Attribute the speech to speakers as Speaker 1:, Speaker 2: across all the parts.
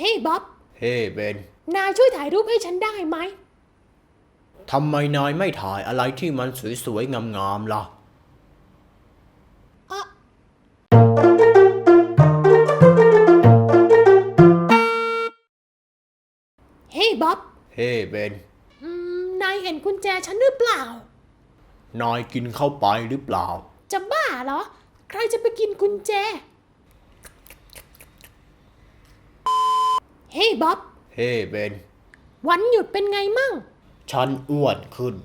Speaker 1: ฮ้บ๊อบ
Speaker 2: เฮ้เบน
Speaker 1: นายช่วยถ่ายรูปให้ฉันได้ไหม
Speaker 2: ทำไมนายไม่ถ่ายอะไรที่มันสวยๆงามๆล่ะ
Speaker 1: เฮ้บ๊อบ
Speaker 2: เฮ้เบน
Speaker 1: นายเห็นกุญแจฉันหรือเปล่าน
Speaker 2: ายกินเข้าไปหรือเปล่า
Speaker 1: จะบ้าเหรอใครจะไปกินกุญแจเฮ้บ๊อบ
Speaker 2: เฮ้เบน
Speaker 1: วันหยุดเป็นไงมั่ง
Speaker 2: ฉันอ้วนขึ้น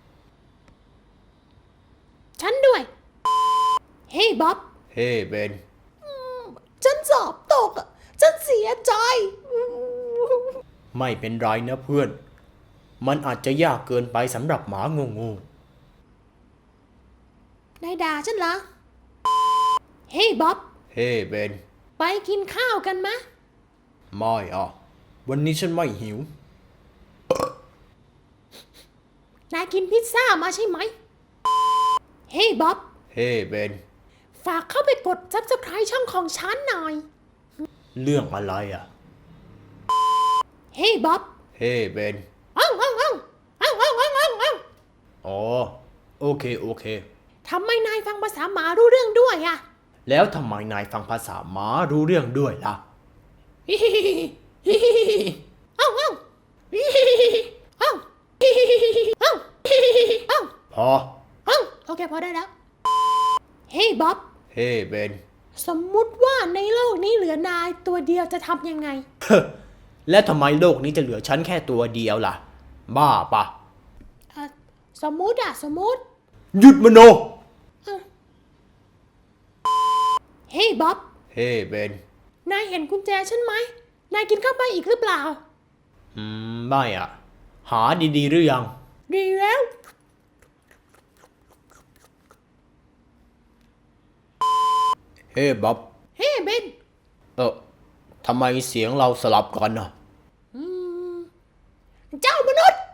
Speaker 1: ฉันด้วยเฮ้บ๊อบ
Speaker 2: เฮ้เบน
Speaker 1: ฉันสอบตกฉันเสียใจ
Speaker 2: ไม่เป็นไรนะเพื่อนมันอาจจะยากเกินไปสำหรับหมางู
Speaker 1: นายด่าฉันเหรอเฮ้บ๊อบ
Speaker 2: เฮ้เบน
Speaker 1: ไปกินข้าวกันมะ
Speaker 2: ไม่วันนี้ฉันไม่หิวน
Speaker 1: ายกินพิซซ่ามาใช่ไหมเฮ้บ๊อบ
Speaker 2: เฮ้เบน
Speaker 1: ฝากเข้าไปกด Subscribe ช่องของฉันหน่อย
Speaker 2: เรื่องอะไร
Speaker 1: เฮ้บ๊อบ
Speaker 2: เฮ้เบน
Speaker 1: อ้าว
Speaker 2: อ๋อโอเค
Speaker 1: ทำไมนายฟังภาษาหมารู้เรื่องด้วย
Speaker 2: แล้วทำไมนายฟังภาษาหมารู้เรื่องด้วยล่ะ
Speaker 1: อ้าว
Speaker 2: พอ
Speaker 1: โอเคพอได้แล้วเฮ้บ๊อบ
Speaker 2: เฮ้เบน
Speaker 1: สมมุติว่าในโลกนี้เหลือนายตัวเดียวจะทำยังไง
Speaker 2: และทำไมโลกนี้จะเหลือฉันแค่ตัวเดียวล่ะบ้าปะ
Speaker 1: สมมุติ
Speaker 2: หยุดมโน
Speaker 1: เฮ้บ๊อบ
Speaker 2: เฮ้เบน
Speaker 1: นายเห็นกุญแจฉันไหมนายกินเข้าไปอีกหรือเปล่า
Speaker 2: ไม่หาดีๆหรือยัง
Speaker 1: ดีแล้ว
Speaker 2: เฮ้บ๊อบ
Speaker 1: เฮ้เบน
Speaker 2: ทำไมเสียงเราสลับกัน
Speaker 1: เจ้ามนุษย์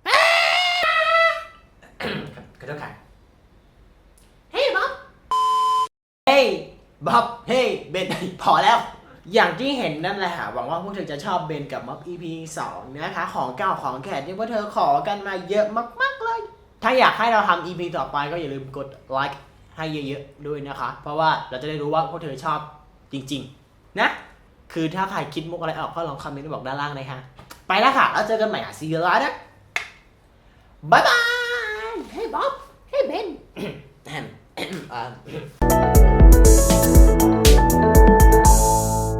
Speaker 2: ขอโทษค่ะ
Speaker 1: เฮ้บ๊อบ
Speaker 2: เฮ้บ๊อบเฮ้เบนพอแล้วอย่างที่เห็นนั่นแหละค่ะหวังว่าพวกเธอจะชอบเบนกับม็อบ EP 2นะคะของเก่าของแขกที่พวกเธอขอกันมาเยอะมากๆเลยถ้าอยากให้เราทำ EP ต่อไปก็อย่าลืมกดไลค์ให้เยอะๆด้วยนะคะเพราะว่าเราจะได้รู้ว่าพวกเธอชอบจริงๆนะคือถ้าใครคิดมุกอะไรออกก็ลองคอมเมนต์บอกด้านล่างนะคะไปแล้วค่ะแล้วเจอกันใหม่See you later บ๊ายบาย
Speaker 1: เฮ้บ๊อบเฮ้เบน